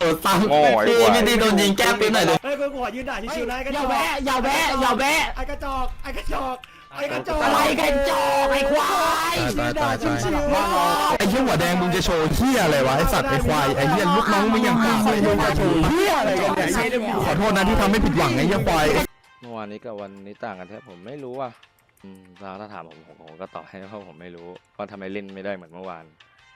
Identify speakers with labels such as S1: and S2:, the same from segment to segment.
S1: ซ้ำพี่ตีโดนยิงแก้ปืนหน่อยเลย
S2: เฮ้ยมึงหัวยืนด่าชิวๆนะไอ้กระจอก
S3: อย่าแวะ
S2: ไอ้กระจอกไอ้กระจอกไอ้กระจอก
S3: อะไรกันจอกไอ้ควาย
S1: ไอ้เหี้ยหัวแดงมึงจะโชว์เหี้ยอะไรวะไอ้สัตว์ไอ้ควายไอ้เหี้ยลูกน้องมึงยังกล้าเลยมึงจะโชว์เหี้ยอะไรกันเนี่ยขอโทษนะที่ทำให้ผิดหวังไอ้เหี้ยควาย
S4: เมื่อวานนี้กับวันนี้ต่างกันแท้ผมไม่รู้ว่ะถ้าถามผมก็ตอบให้เพราะผมไม่รู้ว่าทำไมเล่นไม่ได้เหมือนเมื่อวาน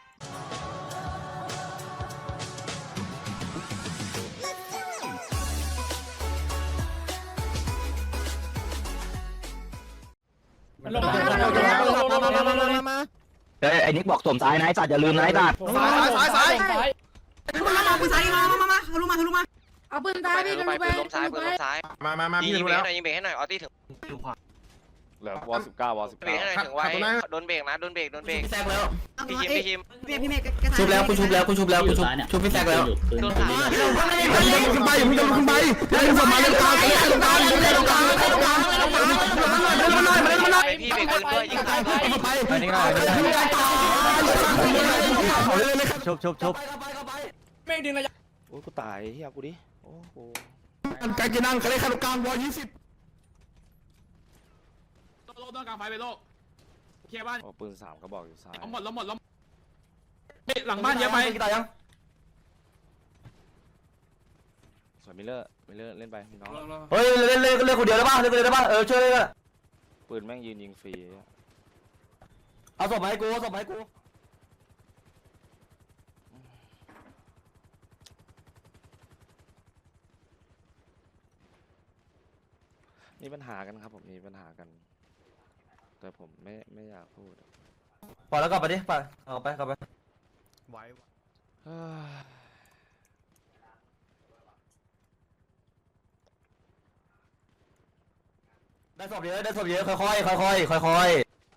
S3: ไอ้นิกบอกสมซ้ายนะไอ้สัตว์อย่าลืมนะไอ้สัตว์
S2: ซ้าย
S5: มาปืนซ้ายมาทะลุมาเอาปืนซ้ายพี่ทะลุไปล้มซ้ายปืนล้มซ้ายมายิงเบรกให้หน่อยยิงเบรกให้หน่อยออตี้ถึง
S4: เหลือวอ19วอ
S5: เบรกให้หน่อยถึงไว้โดนเบรกนะโดนเบรก
S1: พี่แซกแล้ว
S5: พี่คิม
S6: พี่เมฆ
S1: ชุบแล้วกูชุบพี่แซกแล้ว
S5: โดนขา
S1: ขึ้นไปอย่าเพิ่งขึ้นไปเล่นสมาเล่นกลางเล่นกลางเล่นกลางเล่นกลางเล่นกลางเล่นมาหน่อยเล่นมาหน่อย
S5: ไปพี่เบรกปืนด้วยยิงซ้าย
S1: ไปอันนี้ก็ได้ตายชุบ
S2: เมฆดึงระยะ
S4: โอ้กูตายเฮียกูดิโอ้โห
S1: การกินนั่งเขาเล่นขนมกลางวอ20
S2: โลกต้องกลางไฟไปโลกเคลียร์บ้าน
S4: ปืน3ก็บอกอยู่ซ้าย
S2: หมดหลังบ้านเยอะไป
S4: สวยมิเลอร์เล่นไปพี่น้อง
S3: เฮ้ยเล่นคนเดียวได้ป่ะเล่นคนเดียวได้ป่ะช่วยเลย
S4: ปืนแม่งยืนยิงฟรี
S3: เอาศพมาให้กู
S4: มีปัญหากันครับผมมีปัญหากันแต่ผมไม่อยากพูด
S3: พอแล้วกลับไปดิไปกลับไปได้ศพเยอะค่อย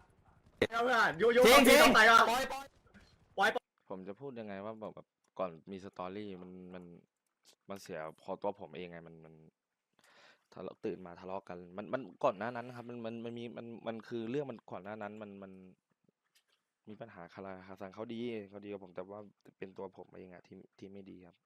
S3: ทิ้ง
S4: ผมจะพูดยังไงว่าแบบก่อนมีสตอรี่มันเสียพอตัวผมเองไงมันถ้าเราตื่นมาทะเลาะกันมันก่อนหน้านั้นนะครับมันคือเรื่องมันก่อนหน้านั้นมันมีปัญหาคาราคาซังเขาดีกับผมแต่ว่าเป็นตัวผมเองอะที่ไม่ดีครับ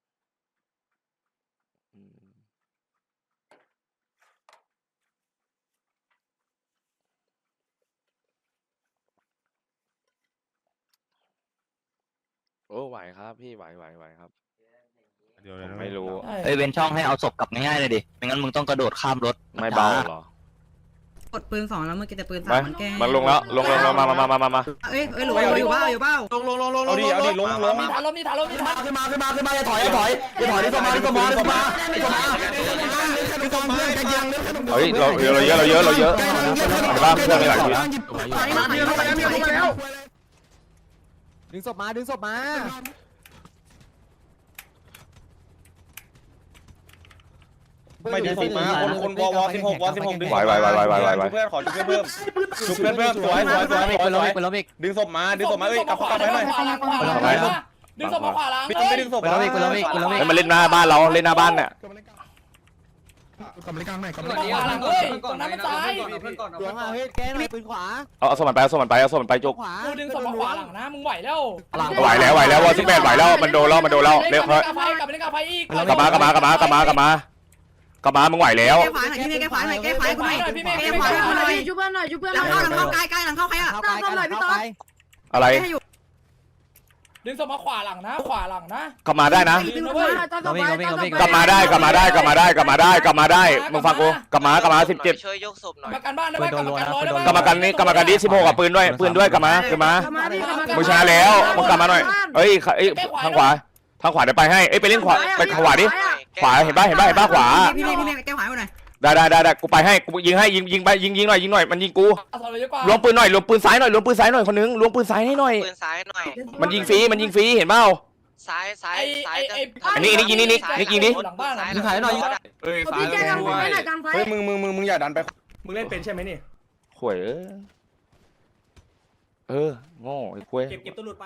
S4: โอ้ไหวครับพี่ไหวครับผมไม่รู้
S3: เว้นช่องให้เอาศพกลับง่ายๆเลยดิไม่งั้นมึงต้องกระโดดข้ามรถ
S4: ไม่เบาหรอก
S6: ดปืน2แล้วเมื่อกี้แต่ปืน3มันแก้
S4: มันลงแล้วลงมา
S6: เอ้ยหลุดอยู่บ้าลง
S2: เอาดิลงมีฐานลม
S3: ขึ้นมาอย่าถอยดิสมา
S4: เฮ้ยเราเยอะในบ้านเพื่อนไม่หลายที
S3: ดึงศพมา
S2: ไม่ดึงศพมาคนวอ16ดึง
S4: ไหว
S2: เพื่อนขอชุบเพิ่มสวยดึงศพมาเอ้ยกลับไปหน่อยดึงศพมาขวาล้างไม่ดึงศพมา
S4: มันเล่นหน้าบ้านเราเล่นหน้าบ้านเนี่ย
S1: กำลังกลางไหนกำลัง
S2: ขวาล้างเฮ้ยตรงนั้นมันซ้าย
S3: หลวงเฮ้ยแกหน่อยปืนขวา
S4: เอาสมันไปจุก
S2: กูดึงศพมาขวาหลังนะมึงไหวแล้ว
S4: ไหวแล้ววอ18ไหวแล้วมันโดนแล้วเร็ว
S2: กลับไปเล่นกับไฟอีก
S4: กลับมามึงไหวแล้ว
S6: แก้ขวาหน่อยพี่เมฆแก้ขวาหน่อยแก้ขวาหน่อยพี่เมฆแก้ขวาหน่อย
S5: ชุบเพื่อนหน่อยชุบเพื่อน
S6: หลังเข้าใกล้หลังเข้าใครอ่ะ
S4: อะไร
S2: ดึงศพมาขวาหลังนะ
S4: กลับมาได้นะกลับมาได้มึงฟังกูกลับมา17
S5: ช่วยยกศพหน่อย
S2: ประกันบ้านได้ไหม100
S4: กลับมากันนี้16กับปืนด้วยกลับมามึงชนะแล้วมึงกลับมาหน่อยเอ้ยทางขวาเดี๋ยวไปให้เอ้ยไปเล่นขวาไปขวาดิขวาเห็นป่ะขวา
S6: พี่เมฆแก้ขวาหน่อย
S4: ได้กูไปให้กูยิงให้ยิงไปยิงหน่อยมันยิงกูรวมปืนหน่อยรวมปืนซ้ายหน่อยคนนึงรวมปืนซ้ายให้หน่อย
S5: ปืนซ้ายหน่อย
S4: มันยิงฟรีเห็นเปล่า
S5: ซ้าย
S4: อันนี้ยิงนี่ยิงดิ
S2: หลังบ้าน
S3: ยิงขายหน่อย
S5: พี่แกกลางไฟหน่อยกลางไฟ
S2: เฮ้ยมึงอย่าดันไปมึงเล่นเป็นใช่ไหมนี่
S4: ข่วยโง่ไอ้ข่วย
S2: เก็บตัวหลุดไป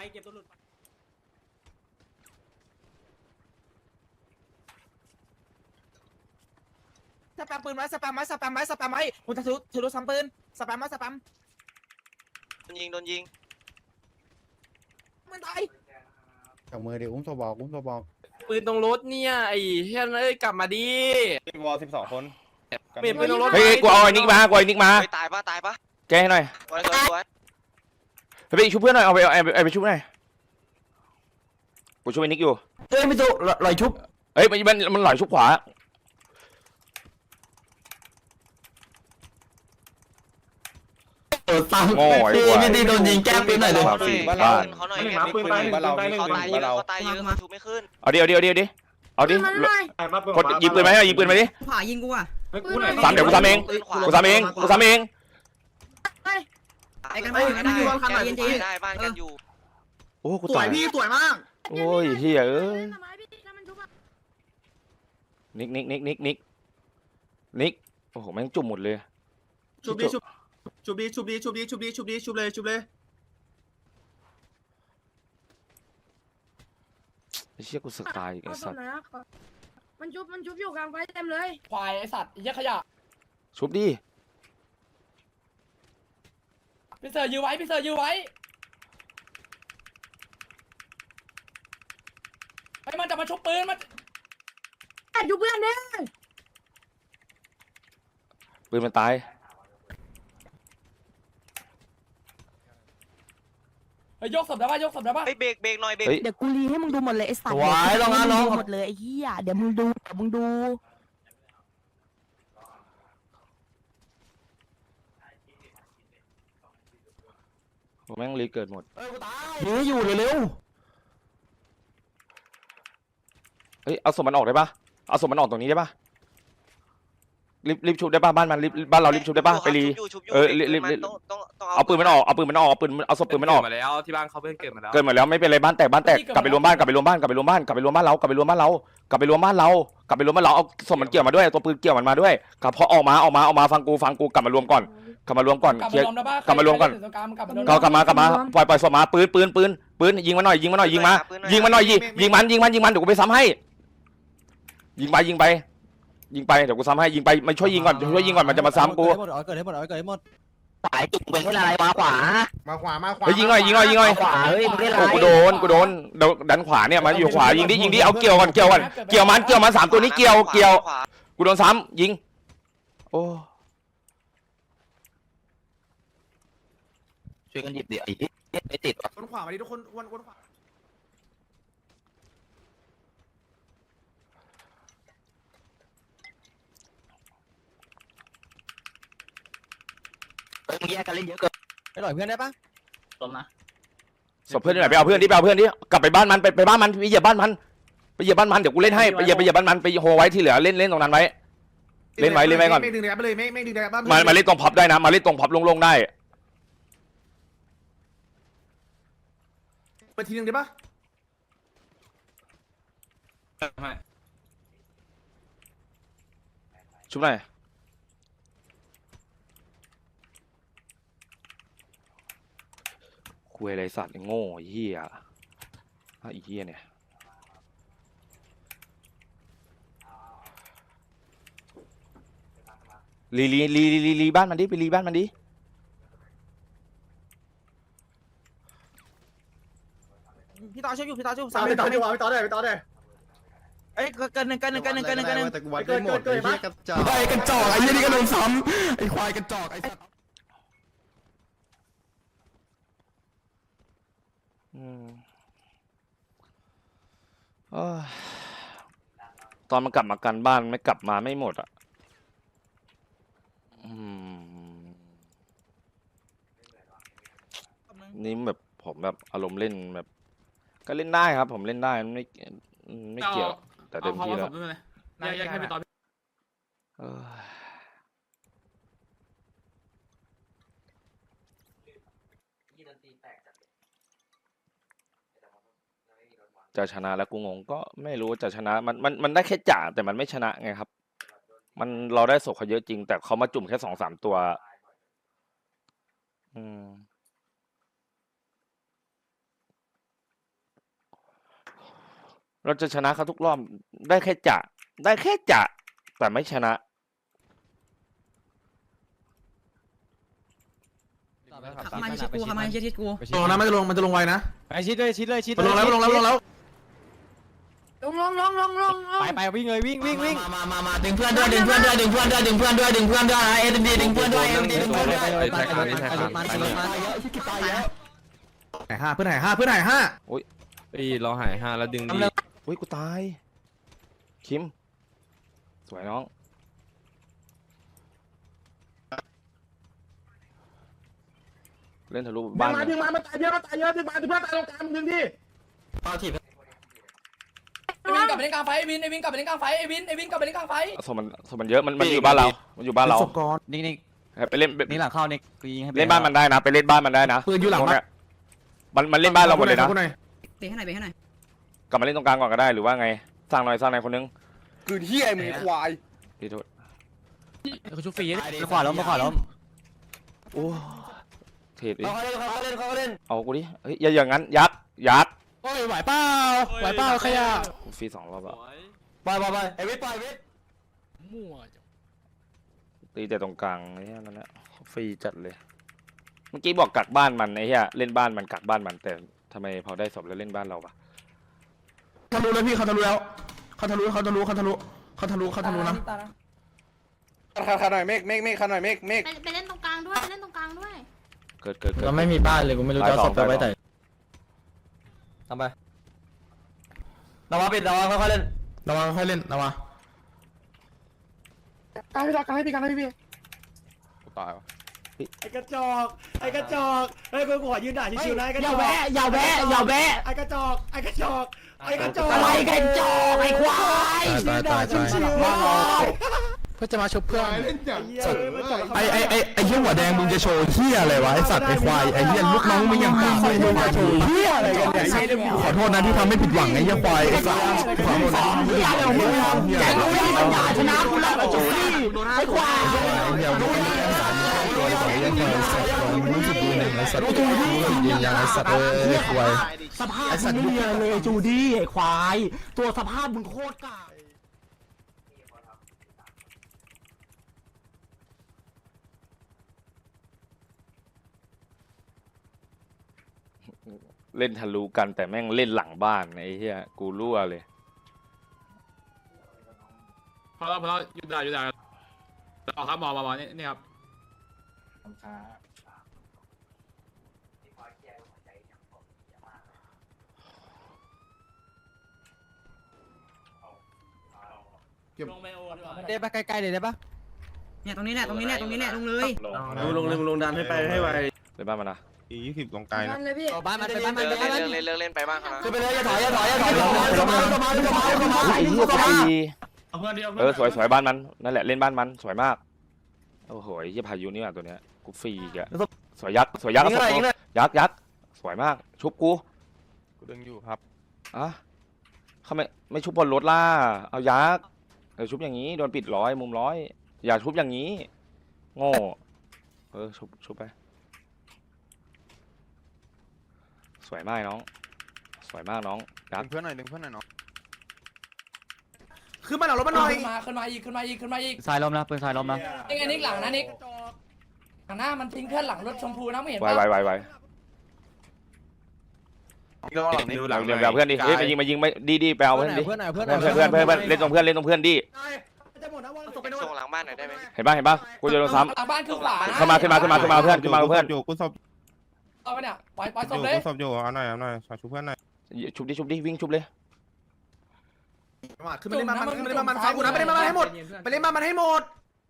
S3: สแปมปืนไว้สแปมไว้ผมจะถือซ้ำปืนสแปม
S5: โดนยิง
S3: มันตาย
S7: จับมือดิอุ้มตัวบอก
S3: ปืนตรงรถเนี่ยไอ้เฮียเอ้ยกลับมาดิ
S2: วอล12 คน
S3: เปลี่ยนปืนตรงรถ
S4: เฮ้ยกูเอาไอ้นิกมากูเอาไอ้นิกมา
S5: ตายปะ
S4: แกให้หน่อย
S5: สวย
S4: ไปชุบเพื่อนหน่อยเอาไปชุบหน่อยกูช่วยนิกอยู่
S1: เฮ้ยไม่ถูกลอยชุบ
S4: เฮ้ยมันหลอยชุบขวา
S1: ตัง
S4: โง่ไอ้ควาย
S1: พี่โดนยิงแก้ปืนหน่อยเลย
S2: บ้านเรา
S5: เขาหน่อย
S2: ปืนบ้านเรา
S5: เขาตายเย
S2: บ้านเรา
S5: อะเขาตายเยอะเขาชูไม่ขึ้น
S4: เอาดิกดยิงปืนไหมยิงปืนไหมดิ
S6: ขวายิงกูอ่ะ
S4: ซ้ำเดี๋ยวกูซ้ำเอง
S6: ไอ้กันไม่เย็น
S5: ได้บ้านกันอยู่
S4: โอ้กูตายพี่สวยมากโอ้ยเฮียเอ้ยนิกโอ้โหแม่งจุ่มหมดเลย
S7: ชุบเลย
S4: ไอ้เชี่ยกูสกายไอ้สัตว์
S8: มันชุบอยู่กลางไฟเต็มเลย
S3: ควายไอ้สัตว์เหี้ยขยะ
S4: ชุบดิ
S3: พี่เสือยื้อไว้ไอ้มันจะมาชุบปืนมัน
S8: อยู่เพื่อนเนี่ย
S4: ปืนมันตาย
S3: ยกศพได้ป่ะ
S5: เบรกหน่อยเบรก
S8: เดี๋ยวกูรีให้มึงดูหมดเลยไอ้สัตว์
S1: สวยลองนะน้อง
S8: หมดเลยไอ้เหี้ยเดี๋ยวมึงดู
S4: แม่งรีเกิดหมด
S1: ยิงให้อยู่เร็ว
S4: เฮ้ยเอาศพมันออกได้ปะเอาศพมันออกตรงนี้ได้ปะรีบชุบได้ปะบ้านเรารีบชุบได้ปะไปรีเอาปืนมันออกเอาศพปืนมันออก
S3: มาแล้วที่บ้านเขาเพิ่งเกิดมาแล้ว
S4: เกิดหมดแล้วไม่เป็นไรบ้านแตกกลับไปรวมบ้านเราเอาศพมันเกี่ยวมาด้วยตัวปืนเกี่ยวมันมาด้วยกลับพอออกมาฟังกูกลับมารวมก่อนเคลียร์กลับมารวมก่อนกลับมาปล่อยศพมาปืนยิงมันหน่อยยิงมันเดี๋ยวกูไปซ้ำให้ยิงไปเดี๋ยวกูซ้ำให้ยิงไปไม่ช่วยยิงก่อนมันจะมาซ้ำกู
S1: เกิดให้หมดสายจุกเป็นอะไรมาขวา
S4: เฮ้ยยิงหน่อย
S1: ขวาเฮ้ยมึงได้ไร
S4: กูโดนดันขวาเนี่ยมันอยู่ขวายิงดิเอาเกี่ยวมัน3ตัวนี้เกี่ยวกูโดนซ้ำยิงโอ้
S1: ช่วยกันหยิบดิไอ้ติด
S7: วนขวามาดิทุกคนวนขวา
S1: มึงแยกกันเล่นเยอะเกินไปหน่อยเพื่อนได้ปะลมนะ
S4: ศพเพื่อนที่ไหนไปเอาเพื่อนดิกลับไปบ้านมันไปบ้านมันไปเหยียบบ้านมันเดี๋ยวกูเล่นให้ไปเหยียบบ้านมันไปโฮไว้ที่เหลือเล่นตรงนั้นไว้เล่นไว้ก่อน
S7: ไม่ดึงแดดไปเลยไม่ดึงแดดบ้าน
S4: มาเล่นตรงพับได้นะมาเล่นตรงพับลงได้
S7: ไปทีนึงได้ปะ
S4: ชุบหน่อยคุยอะไรสัตว์โง่ไอ้เหี้ยไอ้เหี้ยเนี่ยรีบ้านมันดิไปรีบ้านมันดิ
S3: พี่ต่อช่วยอยู่
S7: พี่ต่อได้
S3: เอ้ยเกินหนึ่ง
S7: แต่กูวัดได้หมดไอ้เหี้ยกระจอก
S1: ไอ้กระจอกไอ้ยี่นี่ก็โดนซ้ำไอ้ควายกระจอกไอ้สัตว์
S4: ตอนมันกลับมากันบ้านไม่กลับมาไม่หมดอ่ะนี่แบบผมแบบอารมณ์เล่นแบบก็เล่นได้ครับ ผมเล่นได้ไม่เกี่ยวแต่เต็มที่แล้วจะชนะแล้วกูงงก็ไม่รู้จะชนะมันได้แค่จ่าแต่มันไม่ชนะไงครับเราได้ศพเขาเยอะจริงแต่เขามาจุ่มแค่2-3ตัวเราจะชนะเขาทุกรอบได้แค่จ่าแต่ไม่ชนะ
S6: มาชิดกูมาชิดกู
S7: ลงนะมันจะลงไวนะ
S1: ไอ้ชิดเลย
S7: ลงแล้ว
S8: ลง
S1: ไปวิ่งเลยวิ่ง
S3: มาดึงเพื่อนด้วยดึงเพื่อนด้วยดึงเพื่อนด้วยดึงเพื่อนด้วยดึงเพื่อนด้วยเอ็มดีดึงเพื่อนด้วยเอ็มดีดึงเพื่อนด้วย
S7: ไหนห้าเพื่อนไหนห้าเพื่อนไหนห้า
S1: เราหาย5แล้วดึงดี
S4: อุ้ยกูตายคิมสวยน้องเล่นทะลุบ้าน
S7: ดึงมาตายเยอะมาตายเยอะดึงมาดึงเพื่อนตายตรงกลางดึงที่
S3: เอาถีบ
S5: ไอวินกลับไปเล่นกลางไฟไอวินกลับไปเล่นกลางไฟไอวินกลับไปเล่นกลางไฟ
S4: สมันเยอะมันอยู่บ้านเรามันอยู่บ้านเรา
S1: นิ่ง
S4: ไปเล่น
S1: นี่หลังเข้านี่กูยิงให้
S4: เล่นบ้านมันได้นะไปเล่นบ้านมันได้นะ
S1: ปืนอยู่หลัง
S4: มันเล่นบ้านเราหมดเลยนะ
S6: เบรกให้หน่อยเบรกให้หน่อย
S4: กลับมาเล่นตรงกลางก่อนก็ได้หรือว่าไงสร้างหน่อยคนนึง
S2: คือเฮียมึงควาย
S4: พี่โทษ
S1: เขาชุบฟรีขวาล้มขวาล้ม
S4: โอ้เทรดดิ
S3: เขาเล่น
S4: เอากูดิเฮ้ยอย่าอย่างนั้นยัด
S1: โอ้ยไหวเปล่าขยะ
S4: ฟรี2 รอบอะ
S3: ไปไอ้วิทย์ไปวิทย์
S1: มั่ว
S4: ตีแต่ตรงกลางไอ้เหี้ยนั่นแหละฟรีจัดเลยเมื่อกี้บอกกักบ้านมันไอ้เหี้ยเล่นบ้านมันกักบ้านมันแต่ทำไมพอได้ศพแล้วเล่นบ้านเราปะ
S1: ทะลุแล้วพี่เขาทะลุแล้วเขาทะลุนะ
S2: ขันหน่อยเมฆขันหน่อยเมฆ
S8: ไปเล่นตรงกลางด้วยเล่นตรงกลางด้วย
S4: เกิด
S1: เราไม่มีบ้านเลยกูไม่รู้จะศพไปไว้ไหนทำไป
S3: ระวังปิดระวังค่อยเล่น
S1: ระวังค่อยเล่นระวัง
S7: การให้พี่
S4: ตายวะ
S7: ไอ้กระจอกเฮ้ยเพื่อนขอยืนด่าชิวๆนะไอ้กระจอก
S3: อย่าแวะ
S7: ไอ้กระจอก
S3: อะไรกันจอกไอ้ควาย
S1: ตายเพื่อจะมาชุบเพื่อนไอ้เหี้ยหัวแดงมึงจะโชว์เหี้ยอะไรวะไอ้สัตว์ไอ้ควายไอ้เหี้ยลูกน้องมึงอย่างกากเลยมึงจะโชว์เหี้ยอะไรกันเนี่ยขอโทษนะที่ทำให้ผิดหวังไอ้เหี้ยควายไอ้สัตว์ขอโทษนะที่ทำให้ผิดหวังไอ้เหี้ย
S3: แกรู้ว่ามันด่าชนะกูแล้วจูดี้ไอ้ควาย
S1: ไอ้เหี้ยมึงไม่ได้สารตัวไอ้เหี้ยควายสัตว์มึงรู้สึกดีหนึ่งไอ้สัตว์รู้สึกดีอย่างไอ้สัตว์ควาย
S3: สภาพมึงไม่มีอะไรเลยจูดี้ไอ้ควายตัวสภาพมึงโคตรกาก
S4: เล่นทะลุกันแต่แม่งเล่นหลังบ้านไอ้เหี้ยกูรั่วเลย
S9: พอแล้วหยุดได้ต่อครับหมอนี่ครับ
S1: ได้ปะใกล้ๆเลยได้ปะ
S6: เนี่ยตรงนี้แหละลงเลย
S7: ลงดันให้ไปให้ไว
S4: ในบ้านมันนะ
S7: 20ตรงไกลนะ
S8: เลยพี่
S1: บ้านมันไปบ้านมัน
S5: เล่นไปบ้างครับ
S3: ขึ้นไปเลยอย่าถอยเข้ามา
S4: ไอ้เหี้ยสวยบ้านมันนั่นแหละเล่นบ้านมันสวยมากโอ้โหไอ้เหี้ยพายุนี่ว่ะตัวเนี้ยกูฟรีอีกอะสวยยักษ์ยักษ์สวยมากชุบกูดึงอยู่ครับอ่ะเขาไม่ชุบบนรถล่ะเอายักษ์ชุบอย่างนี้โดนปิด100มุม100อย่าชุบอย่างนี้โง่ชุบไปสวยมากน้องยักษ์
S7: เพื่อนหน่อยดึงเพื่อนหน่อยเนาะ
S3: ขึ้นมาหน่อยรถมาหน่อย
S5: ขึ้นมาอีก
S1: สายล้มนะปืนสายล้มนะ
S5: นี่ไงนิกหลังนะนิกหลังหน้ามันทิ้งเพื่อนหลังรถชมพูนะไม่เห็น
S4: ไวเดี๋ยวเพื่อนดิเฮ้ยมายิงไม่ดีไปเอาเพื่อนดิเพื่อนเล่นตรงเพื่อนดิ
S5: ส่งหลังบ้านหน่อยได้ไหม
S4: เห็นป่ะกูจะโดนซ้
S5: หลังบ้านคือขวา
S4: ำขึ้นมาเพื่อน
S7: อยู่กูศพ
S5: เอาไปเนี่ยปล่อยศพ
S7: อยู่
S5: เลย
S7: กูศพอยู่เอาหน่อยชุบเพื่อนหน่อย
S4: ชุบดิวิ่งชุบเลย
S3: ขึ้นไปเล่นบ้านมันฟังกูนะไปเล่นบ้านมันให้หมดไปเล่นบ้านมันให้หมด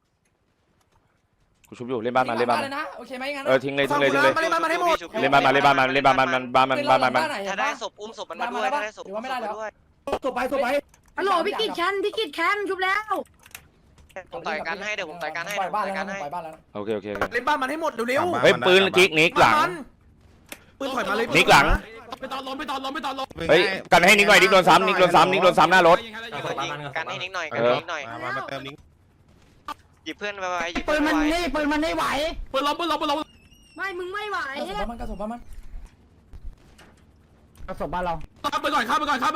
S4: กูชุบอยู่เล่นบ้านมัน
S5: เลยนะโอเคไหมงั้น
S4: ทิ้งเลย
S3: มาเล่นบ้านมันให้หมด
S4: เล่นบ้านมัน
S5: ถ้าได้ศพอุ้มศพมันมาด้วยถ้าได้ศพไม่ได้แล้ว
S7: ศพไป
S8: ฮัลโหลพี่กิจแคนชุบแล้ว
S5: ผมต่อยกันให้เดี๋ยวผมต่อยกันให้ปล่อยบ้านแล้ว
S4: โอเค
S3: เล่นบ้านมันให้หมดเร็ว
S4: เฮ้ยปืนกิ๊กนิกหลัง
S3: ปืนถอยมาเลย
S4: นิกหลัง
S9: ไปตอนล้ม
S4: เฮ้ยกันให้นิกหน่อยนิกโดนซ้ำหน้ารถ
S5: กันให้นิดหน่อย
S7: มาเติมนิ้ง
S5: หยิบเพื่อนไปหยิบ
S8: ปืนมันไม่ไหว
S9: ปืนล้ม
S8: ไม่มึงไม่ไหว
S5: มันกระสุนมัน
S8: เอาศพบ้านเรา
S9: ข้ามไปก่อน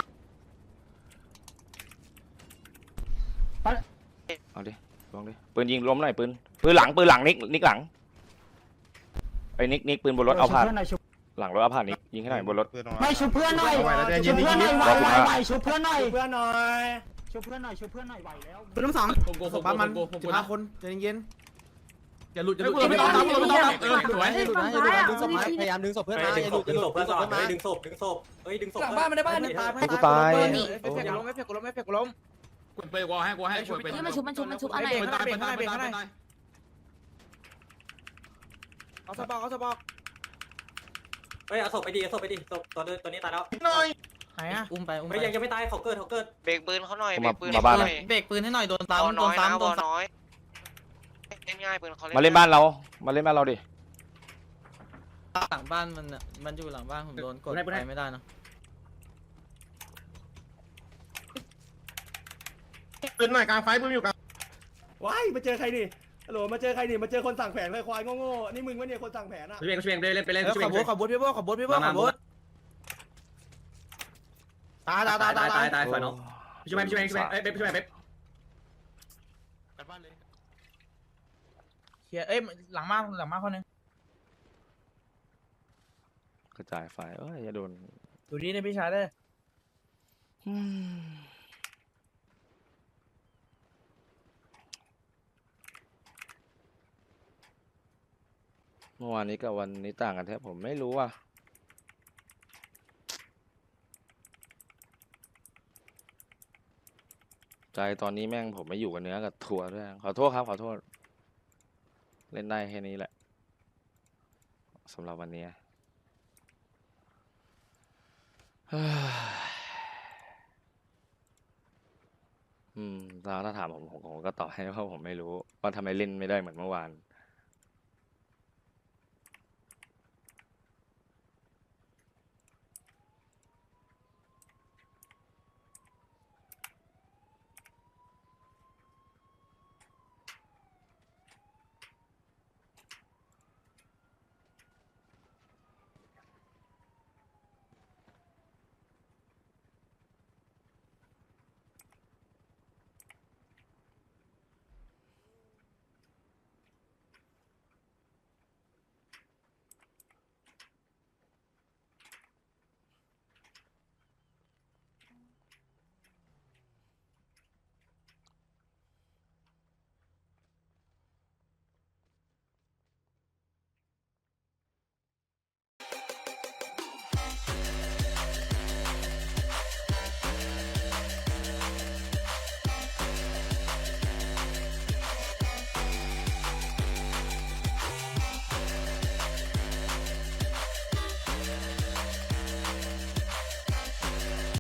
S4: เอาดิลองดิปืนยิงล้มหน่อยปืนหลังนิกหลังไอ้นิกปืนบนรถเอาผ่านหลังรถอาผ่านนี้ยิงให้หน่อยบนรถ
S8: ไม่ชุบเพื่อนหน่อยชุบเพื่อนหน่อยไหวชุบเพื่อนหน่อย
S7: เพื่อนหน่อย
S8: ชุบเพื่อนหน่อยชุบเพื่อนหน่อยไหวแล้ว
S6: ปืนล้มสอง
S9: ผมโกผมบ้ามัน15 คนใจเย็นอย่าหลุดอย่าหลุดไม่ต้องไม่ต้องสวย
S8: ให้ฝั่งซ้ายอ่ะ
S7: พยายามดึงศพเพื่อนมาอย่าหลุดดึงศพเพื่อนมาดึงศพดึงศพเฮ้ยดึงศพ
S5: หลังบ้านมันได้บ้านนี่ตาย
S4: ให้กูตาย
S5: ไม่เฟกล้มไม่เฟกล้มไม่เฟกล้ม
S9: กดไปกว่าให้กดไป
S8: มันชุบอันไหน
S9: ตายไปตายไปตาย
S5: เอาสะบอกเอาสะบอก
S7: เฮ้ยเอาศพไปดิเอาศพไปดิศพตัวนี้ตายแล้ว
S5: ไหนอ่ะอุ้มไปอุ้ม
S7: ไม่
S5: ไป
S7: ยังไม่ตายเขาเกิด
S2: เบรกปืนเขาหน่อย
S4: มาบ้านนะ
S5: เบรกปืนให้หน่อยโดน
S2: บอ
S5: ซ้ำโด
S2: น้อน ยนะ
S5: ซ้ำ
S2: บ
S5: โด
S2: อน
S5: ซ้
S2: น้อยเล่นง่ายปืนเขา
S4: มาเล่นบ้านเรามาเล่นบ้านเราดิ
S5: ำหลังบ้านมันอยู่หลังบ้านผมโดนกดไปไม่ได้นะ
S1: ปืนหน่อยกลางไฟปืนอยู่กลาง
S7: ว้ายมาเจอใครดิฮัลโหลมาเจอใครดิมาเจอคนสั่งแผนควายโง่ๆนี่มึงวะเนี่ยคนสั่งแผนอ่ะ
S5: ขบวนพี่โบ้ขบวนพี่โบ้ขบวนตาย
S4: ฝ่ายน้อง
S5: ช่วยช่วยช่วยเป๊ปช่วยเป๊ปเฮียเอ้ยหลังมาคนนึง
S4: กระจายไฟอย่าโดน
S5: ดูดีนะพี่ชายเลย
S4: เมื่อวานนี้กับวันนี้ต่างกันแท้ผมไม่รู้ว่ะใจตอนนี้แม่งผมไม่อยู่กับเนื้อกับถั่วด้วยขอโทษครับขอโทษเล่นได้แค่นี้แหละสำหรับวันนี้ถ้าถามผมก็ตอบให้ว่าผมไม่รู้ว่าทำไมเล่นไม่ได้เหมือนเมื่อวาน